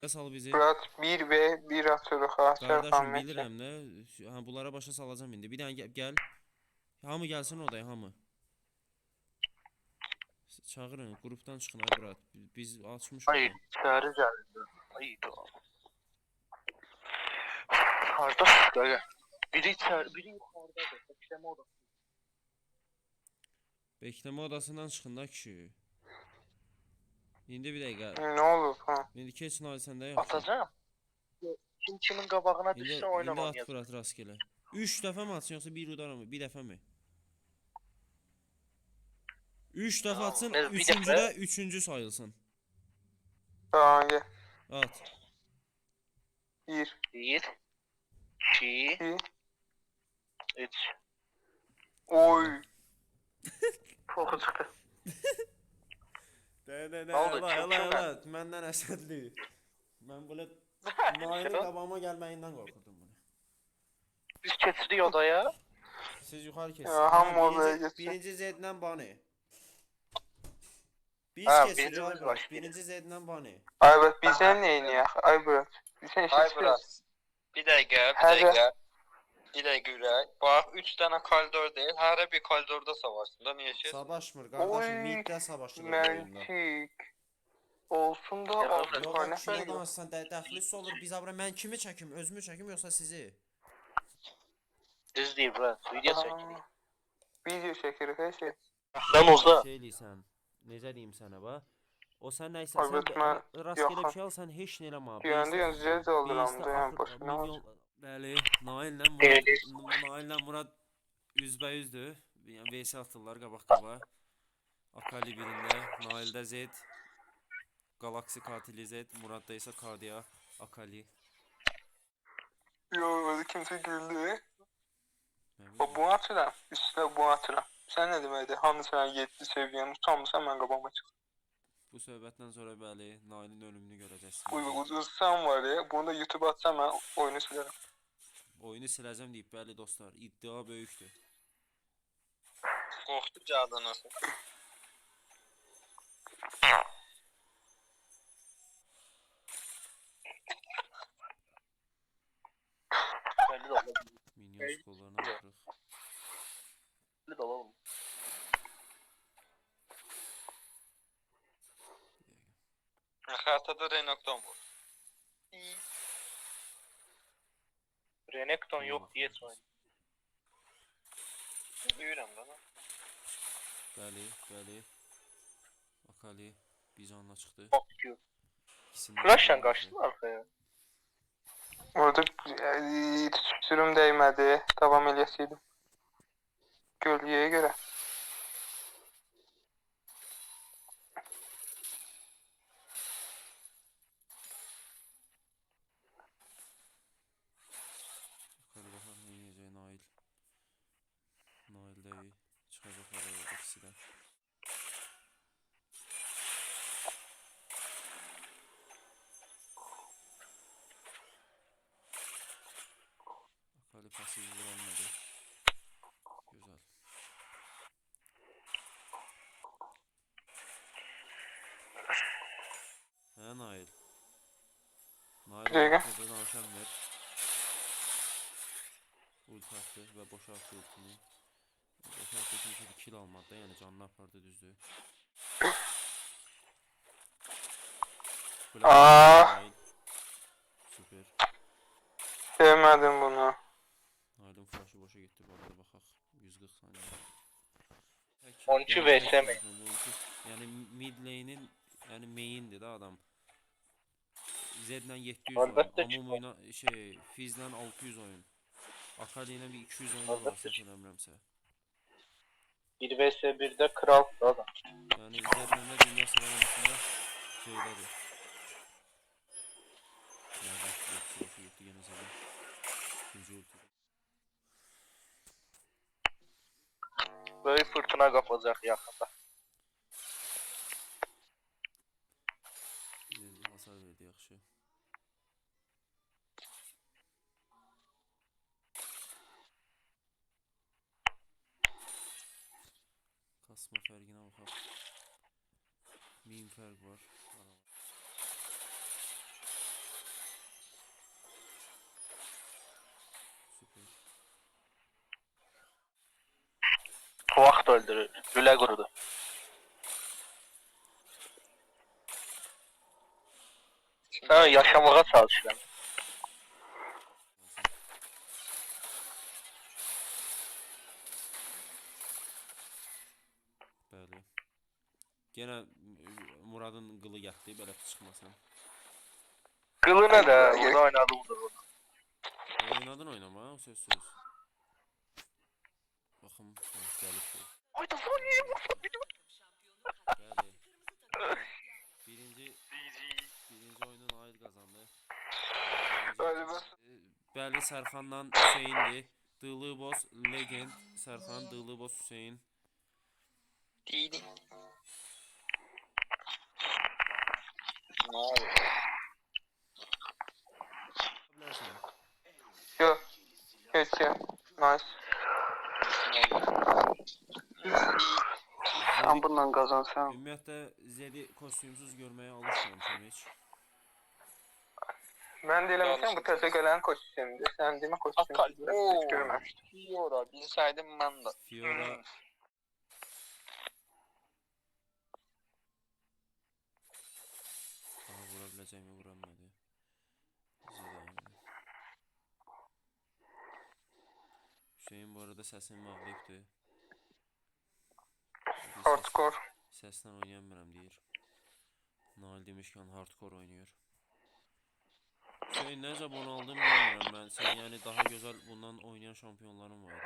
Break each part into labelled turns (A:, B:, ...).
A: Sal bizi.
B: Murat 1 ve 1 atırıq ha.
A: Kardeşim
B: Sərxanmətlə.
A: bilirəm də. Ha, bunlara başa salacağım indi. Bir dənə gəl. Hamı gəlsin odaya, hamı. Çağırın, qrupdan çıxın ay brat. Biz açmışıq
C: Hayır,
A: onu.
C: çağrı geldi. Hayır. Kardeş böyle. Biri içeride, biri yukarıda da. Bekleme odası.
A: Bekleme odasından çıxın da kişi. İndi bir dəqiqə.
B: Nə olub ha?
A: İndi keç Nail səndə yoxsa?
C: Atacağım. Kim kimin qabağına
A: İndi,
C: düşse
A: indi
C: oynamam
A: at
C: yazık.
A: brat rastgele. 3 dəfə mi atsın yoxsa bir udara mı? Bir dəfə mi? 3 dəfə
C: Tamam,
A: atsın,
C: bir
A: üçüncüdə
C: dəfə.
A: üçüncü sayılsın.
B: Tamam gel.
A: At.
B: 1,
C: 1, 2,
B: 2.
C: 3.
B: Oy.
C: Çok çıktı.
A: Nə
C: oldu?
A: Ela,
C: Kim
A: ela, məndən əsədli. Mən belə Nailin qabağıma gəlməyindən qorxurdum bunu.
C: Biz keçirik odaya.
A: Siz yuxarı keçin.
B: Ya, hamı odaya geçsin.
A: Birinci Z'dən bani. Biz
B: Ha,
A: keçirik
C: birimiz
A: ay brat.
C: başlayır.
A: Birinci Z'dən bani.
B: Ay bak bizden neyin ya? Ay Murat. Bizden
D: Ay
B: işte
D: biraz. Bir dakika, bir
B: Her-
D: dakika. Bir dakika Ürək. Bak 3 tane koridor değil. Her bir koridorda savaşsın da niye şey?
A: Savaşmır qardaşım,
B: Oy,
A: middə savaşılır bu oyunda.
B: Məntik. Olsun da
C: Ya,
B: altı
C: yok,
A: Yox,
B: tane
A: kimə
B: yok.
A: danışsan dəxlisi olur. Biz abra mən kimi çəkim, özümü çəkim yoxsa sizi?
C: Düz değil bro. Video çekirik.
B: Video çekirik her şey.
C: Lan olsa.
A: Şey eləysən, necə deyim sənə bax. O sən nə isə
B: Ay,
A: sən
B: bet mən-
A: rastgele
B: yox,
A: bir şey al, sən heç nə eləmə.
B: Güvəndə zəz aldıram da yani boşuna var.
A: Bəli, Naillə Naillə Murad üzbəyüzdür. Yəni VS atırlar qabaq-qabağa. Akali birində, Naildə Z, Galaxy Katili Z, Muradda isə Kardia, Akali.
B: Yo öyle kimse güldü.
A: Nə
B: O
A: bilim.
B: bu atıram. Üstüne bu atıram. Sen ne demekti? Hamı sana 7 seviyen utanmışsan ben kabağıma çık.
A: Bu söhbətdən sonra bəli, Nailin ölümünü
B: Bu
A: görəcəksiniz.
B: uzsan var ya. Bunu da YouTube'a atsam ben oyunu silerim.
A: Oyunu siləcəm deyib, bəli dostlar, iddia böyükdür.
D: Korktu cadınası.
C: Belli de olabilir.
A: Minyon skollarına baxırıq.
C: Belli de olalım.
D: Haritada Renokton var.
C: Renekton yok diye söyleyeyim.
D: Duyuram da.
A: Bəli, bəli. Akali bir canla çıxdı.
C: Bak diyor.
A: İkisindən
C: Flash'tan kaçtın arkaya.
B: Orada sürüm değmedi. Devam eləyəsiydim. Gölgeye göre.
A: Akali baxaq nə edəcək Nail. Nail də iyi. Çıxacaq araya ikisi də. Akali pasiv vuranmadı. Güzel. Hə Nail. Nail
B: Dəqiqə.
A: haqqında danışan ver. Ulti attı və boşaltdı ultini. Boşaltdı kimsə bir kill almadı da, yəni canını apardı düzdür.
B: Aa!
A: Nail. Süper.
B: Sevmedim bunu.
A: Nail'in flash'ı boşa gitti bu arada baxaq. 140 saniye.
C: 12
A: Yəni
C: vs mi?
A: Yəni mid lane'in yəni main'dir da adam. Zed'lə 700
C: Əlbəttə
A: oyun,
C: ki.
A: Amumu'yla şey, Fizz'lə 600 oyun. Akali ilə bir 200 oyun var
C: Əlbəttə
A: səhv
C: ki.
A: eləmirəmsə.
C: 1 vs 1'de kral adam.
A: Yəni Zed'lə də dünya sıralamasında şeydədir. Yəni ultisi boşa getdi yenə Zed'in. İkinci ulti.
C: Böyle fırtına kapacak yakında.
A: Hasar verdi yaxşı. Kasma fərqinə baxaq. 1000 fərq var.
C: öldürür. Lüle kurudu. Sen yaşamaya çalışıram.
A: Bəli. Yenə Muradın qılı yatdı, belə çıxmasan.
C: Kılına da burada oynadı vurdu.
A: Oynadın oynama, o söz. Baxım, gəlib ki.
C: Ayda Sonya'ya vursa biliyorum.
A: Bəli. Birinci oyunun Nail qazandı.
B: Bəli, bəs.
A: Bəli, Sərxandan Hüseyndir. Dılıboz Legend, Sərxan, Dılıboz Hüseyn.
D: Değilim. Ne oldu?
A: Bilərsən.
B: Yox. Heç ya. Nice. Sen bundan kazansan.
A: Ümumiyyətlə Zedi kostyumsuz görməyə alışmamışam heç.
B: Ben de eləmişəm bu təzə gələn kostyumdur. Sən demə kostyumdur. Heç görməmişdim.
D: Fiora bilseydim ben de.
A: Fiora daha vura biləcəyimi vurammadı. Hüseyin bu arada səsini bağlayıbdır.
B: Hardcore.
A: Səslə oynayamıram deyir. Nail demişkən hardcore oynuyor. Hüseyin necə bunu aldım bilmirəm mən. Sən yəni daha gözəl bundan oynayan şampiyonların vardı.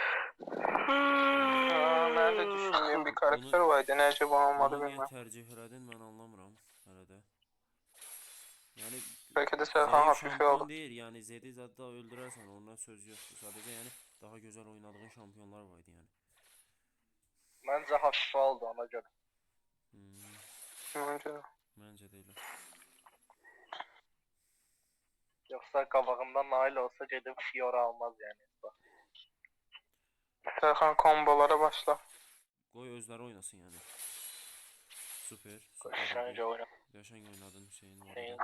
B: Ben de düşündüğüm bir karakter vardı. Necə bu olmadı
A: Bunu niyə
B: bilmem.
A: tərcih elədin mən anlamıram hələ də. Yəni
B: Belki de Serhan
A: zəif
B: hafife
A: şampiyon
B: oldu.
A: deyil, yəni Zedi zəddə öldürərsən ondan söz yoxdur. Sadəcə yəni daha gözəl oynadığın şampionlar vardı yəni.
C: Bence hafife oldu ona göre.
B: Bence de.
A: Məncə də elə.
C: Yoksa kabağından nail olsa gidip Fiora almaz yani.
B: Serhan kombolara başla.
A: Qoy özləri oynasın yəni. Super.
C: Sence oyna.
A: Yaşan oynadın Hüseyin var.
C: Şeyin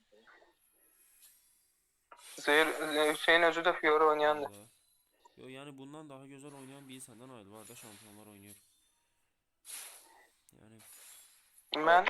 B: Hüseyin özü de Fiora oynayandı.
A: Yo yani bundan daha güzel oynayan bir senden ayrı var da şampiyonlar oynuyor. Yani
B: Ben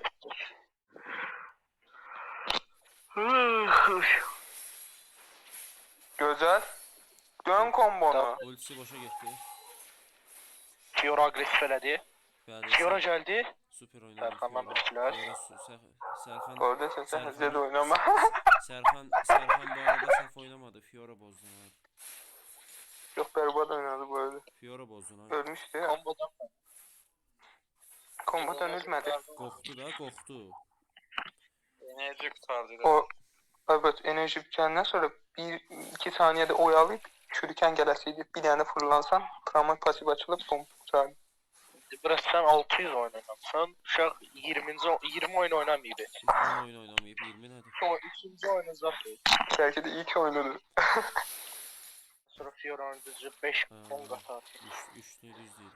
B: güzel. Dön kombonu.
A: ultisi boşa gitti.
C: Fiora agresif eledi.
A: Bəli.
C: Fiora geldi.
A: Süper oynadı.
C: Serkan'dan
A: Fiora.
C: bittiler.
A: Serkan
B: Oradasın sen Zed oynama.
A: Serkan bu arada saf oynamadı. Fiora bozdu. Ha.
B: Çok berbat oynadı bu arada.
A: Fiora bozdu. Ha.
B: Ölmüştü ya.
D: Kombodan
B: Kombodan ölmedi.
A: Qorxdu da, qorxdu.
D: enerji kurtardı.
B: O evet enerji bitenden sonra 1-2 saniyede oyalayıp çürüken gelesiydi. Bir tane fırlansan Pramon pasif açılıp bom. Güzel.
C: Biraz sen 600 oynamışsın. Uşaq 20 oyun oynamayıb.
A: İlk 10 oyun oynamayıp 20 nədir?
C: O ikinci oyunu zaten.
B: Belki de iyi ki oynadı.
C: Sonra Fiora oyuncusu 5 10 qatar.
A: Üçlüyü düz deyil.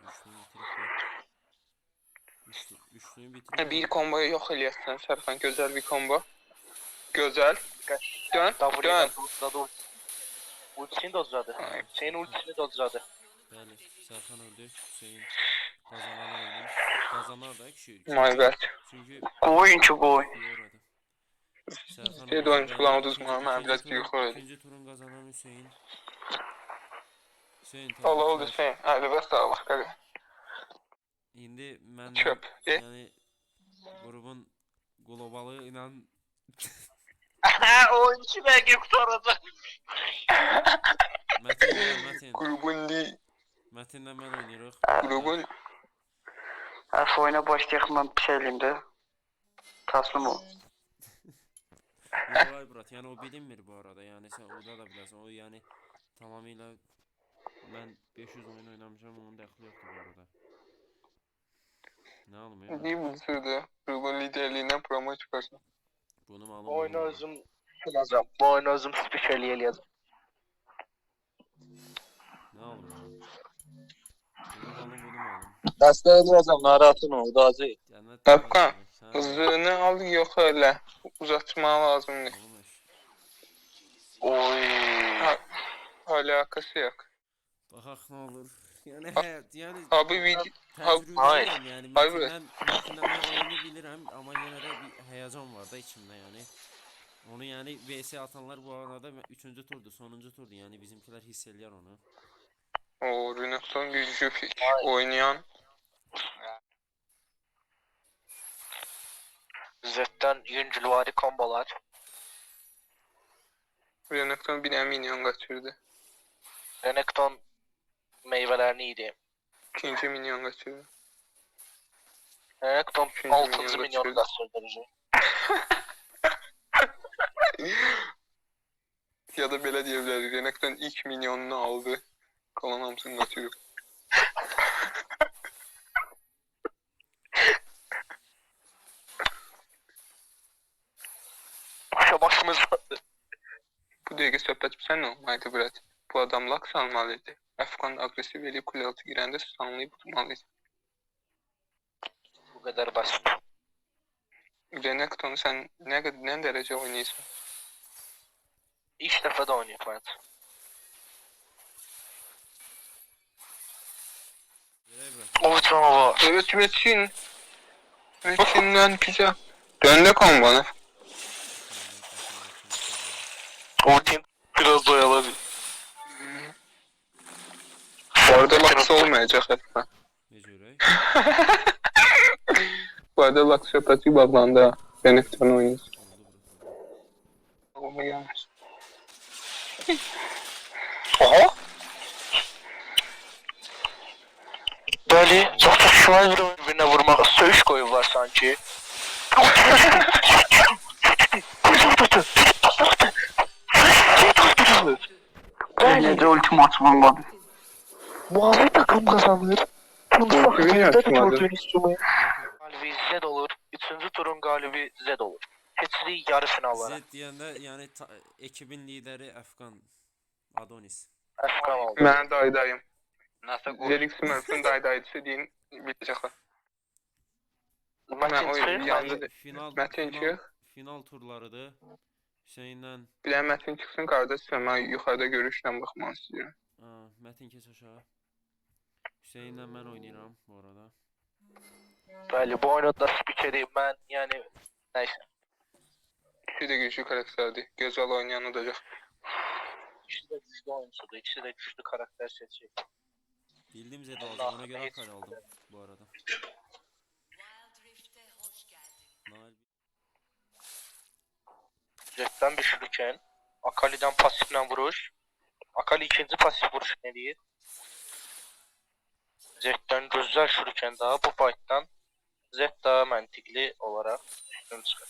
A: Üçlüyü bitirib.
B: Bir komboyu yok eləyəsən Serkan. Güzel bir kombo. Güzel. Dön. Dön.
C: Ultisini dozladı. Senin ultisini dozladı.
A: Bəli, Serkan öldü. Hüseyin kazanan oyunu. Kazanar da kişi.
B: My bad.
A: Çünkü
C: Oyuncu boy.
A: Fiora'dı. Serkan
B: Bir de oyuncu kullanmadınız mı? Ben biraz büyük oynadım.
A: İkinci turun kazanan Hüseyin. Hüseyin
B: Allah oldu
A: təbriklər.
B: şey. Hadi bas daha bak. Hadi.
A: İndi mən
B: Çöp.
A: yəni grubun globalı ilə
C: Oyuncu belki kurtaracak.
A: Mətin.
B: Grubun değil.
A: Mətinlə mən oynayırıq.
B: Grubun.
E: Oyuna başlayaq mən bir şey eləyim də. Təslim ol.
A: Vay brat, yəni o bilinmir bu arada. Yəni sən orada da biləsən. O yəni tamamilə mən 500 oyun oynamışam, onun dəxli yoxdur bu arada. Nə almıyor?
B: Değil mi sürdü? Grubun liderliğinden promo çıkarsın.
A: Bunu mu alım?
C: Bu oyunu özüm kullanacağım. Bu oyunu özüm spikerli eləyəcəm.
A: Nə alım? Bunu mu alım, bunu mu alım?
D: Dəstək edəcəm, narahatın ol, Dazi.
A: Cənnət.
B: Kapkan. Hızını al yok öyle. Uzatma lazım değil.
C: Oy.
B: Alakası yok.
A: Baxaq nə olur. Yani hayat yani
B: Abi video
C: hayır.
A: tecrübeliyim yani
B: Hayır.
A: Metin'den ben oyunu bilirim ama yine de bir heyecan var da içimde yani. Onu yani VS atanlar bu arada 3. turdu, sonuncu turdu yani bizimkiler hissediyor onu.
B: o Renekton gücü oynayan
C: Zed'den yüncülvari kombolar.
B: Renekton bir minyon kaçırdı.
C: Renekton meyvelerini yedi.
B: İkinci minyon kaçırdı.
C: Renekton
B: Üçüncü
C: 6.
B: milyonu
C: milyonu
B: kaçırdı.
C: gösterdirici.
B: Ya da belə deyə bilərik. Renekton ilk minyonunu aldı. Kalan hamısını kaçırdı.
C: Başımız vardı.
B: Bu dəqiqə söhbət sən olmaydı Brad. Bu adam lak salmalıydı. Əfqan agresiv eləyib kule altı girəndə sanlayıb tutmalıydı.
C: Bu kadar basit.
B: Renekton'u sen ne derece oynuyorsun?
C: İlk defa da oynuyor Fırat.
A: Yere bırak.
C: O canavar.
B: Evet Metin. Metin'den güzel. Döndü kan bana.
C: O tim biraz oyaladı.
B: Bu arada laks olmayacak hatta.
A: Ne cürey?
B: Bu arada laks söhbəti bağlandı ha. Renekton oynuyorsun.
A: Oldu bırak.
B: Olma gelmez.
C: Aha. Böyle çok da Schweizer birbirine vurmak söğüş koyuyorlar sanki.
E: Necə ultimatum olmadı.
C: Mavi takım kazanır.
B: Kimin açmadı?
C: Galibi Z olur. 3. turun galibi Z olur. Hepsi yarı finallara.
A: Z deyəndə yəni ekibin lideri Əfqan Adonis.
C: Efkan oldu.
B: Ben daydayım.
D: Nasıl
B: Zerik Smurf'ın daydaydısı deyin bilecekler.
C: Metin
B: oyun
C: Çık.
B: yandı.
A: Final
B: çıx.
A: final turlarıdır. Hüseynlə
B: Bir de Metin çıksın kardeş. Ben yukarıda görüşle bakmak istiyorum.
A: Mətin keç aşağı. Hüseynlə mən oynayıram bu arada.
C: Bəli, bu oyunda spikeri ben yani neyse.
B: İkisi de güçlü karakterdi. Güzel oynayan olacak.
C: İkisi de güçlü oyuncudur. İkisi de güçlü karakter seçecek.
A: Bildim Zed alacağım ona göre akal aldım bu arada. Nail
C: Jet'ten düşürürken Akali'den pasifle vuruş. Akali ikinci pasif vuruş ne değil? Jet'ten gözler şurken daha bu fight'tan Zed daha mantıklı olarak üstün çıkar.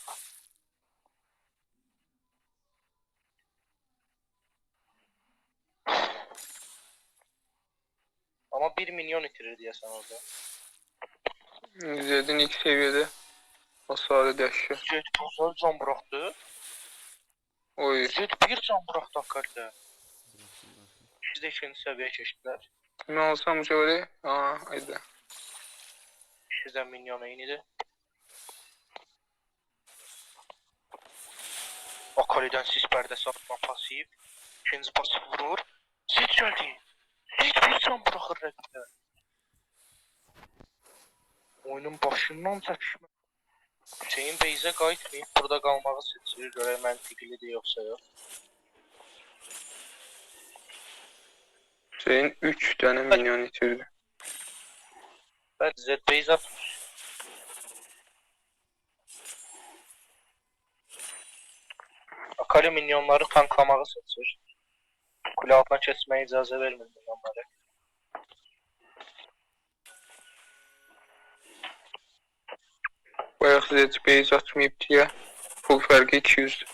C: Ama 1 milyon itirir diye sen orada.
B: Zed'in ilk seviyede hasarı dəhşət.
C: Zed güzel can bıraktı.
B: Oy.
C: Zed bir can bıraktı Akali'de.
A: bıraktım bıraktım.
C: İkisi de ikinci seviye geçtiler.
B: Ne olsam şöyle. Haydi.
C: İkisi de minyona indi. Akali'den sis perdesi atma pasif. İkinci pasif vurur. Zed geldi. Zed bir can bırakır rakibine. Oyunun başından çəkişmə. Hüseyin Beyzə qayıtmayıb burada qalmağı seçir. Görək məntiqlidir yoxsa yox.
B: Şeyin 3 tane minyon itirdi.
C: Bəli, Zed Beyz atmış. Akali minyonları tanklamağı seçir. Kule altına kesməyə icazə vermir minyonları.
B: Bayaq Zed base atmayıb diye full fərqi 200.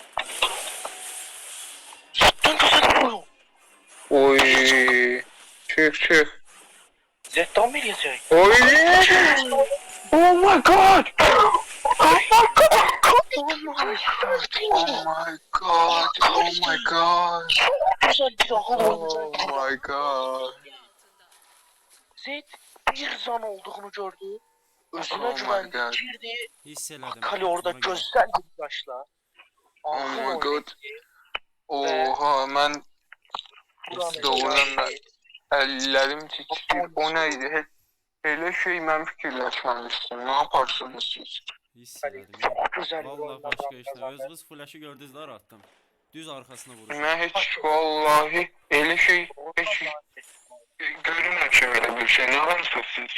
C: Zed'den güzel vuruyor.
B: Oy. Çık.
C: Zed'den mi yiyecek?
B: Oy.
C: Oh my god! Oh my god!
B: Oh my god. Oh my god.
C: Güzel bir daha
B: Oh my god.
C: Zed bir zan olduğunu gördü. Özüne
B: Oh my
C: güvendi,
B: God.
C: girdi.
A: Hisseledim.
C: Akali orada
A: ona göre.
C: gözler gibi başla.
B: Oh
C: Ağzın
B: my
C: oynadı.
B: god. Oha ben
C: Buranı
B: doğrudan
C: geçti.
B: ben Əllərim titrəyir. O nə idi? Elə şey mən fikirləşməmişdim. Nə yaparsınız siz?
A: Hiss elədim.
C: Çok güzel bir
A: Vallahi
C: oyundan
A: başqa işlər.
C: kazandı.
A: Özünüz flaşı gördünüzlər attım. Düz arxasına vuruşum.
B: Mən heç vallahi elə şey heç görməmişəm elə bir şey. Nə varsınız siz?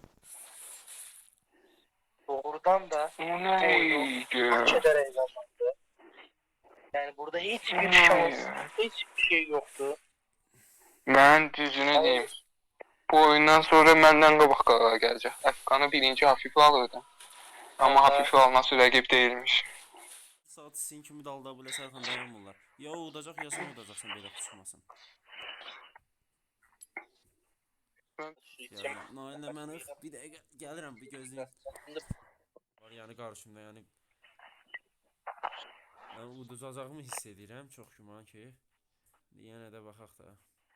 C: Doğrudan da
B: O nə idi?
C: hak ederek kazandı. Yani burada hiçbir şans, hiçbir şey yoktu.
B: Mən düzünü deyim. Bu oyundan sonra məndən qabaq qalağa gələcək. Əfqanı birinci hafif alırdı. Amma hafif alması rəqib deyilmiş.
A: Saat sizin kimi dalda belə sərxan dayanmırlar. Ya o udacaq ya sən udacaqsan belə tutmasın.
C: İçim-
A: Naillə mən bir dəqiqə gəlirəm, bir gözləyim. Var yəni qarşımda yəni. Mən uduzacağımı hiss edirəm, çox güman ki. Yenə də baxaq da.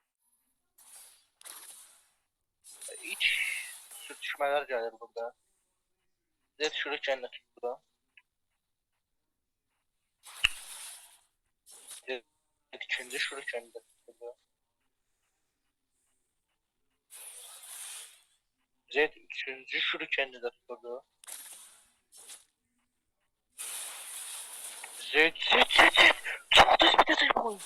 C: İç sürtüşmeler gelir burada. Zed şuraya de burada. Zed ikinci şuraya de burada. Zed üçüncü şuraya de burada. Zed. Çok düz bir detay bu.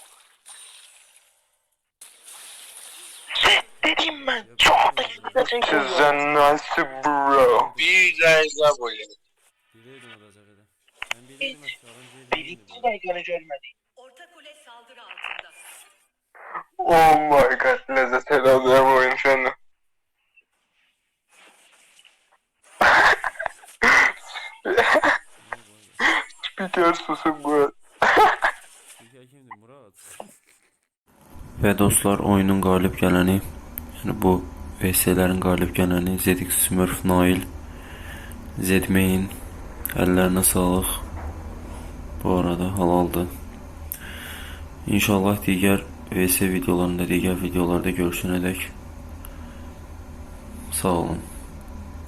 C: Zed dedim ben. Çok düz bir detay bu.
B: Sizdən nasıl bro?
D: Bir zərzə boyu.
A: Bilirdim udacaq elə. Mən bilirdim əfqanın
C: Birinci dakikani görmedik.
F: Orta kule saldırı altında.
B: Oh my god. Lezzət elədim oyun səni. Spiker susun bu.
A: Kimdir Murad? Və dostlar, oyunun qalib gələni, yəni bu VS-lərin qalib gələni ZX Smurf Nail, Zedmain, əllərinə sağlıq. Bu arada halaldır. İnşallah digər VS videolarında, digər videolarda görüşənədək sağ olun.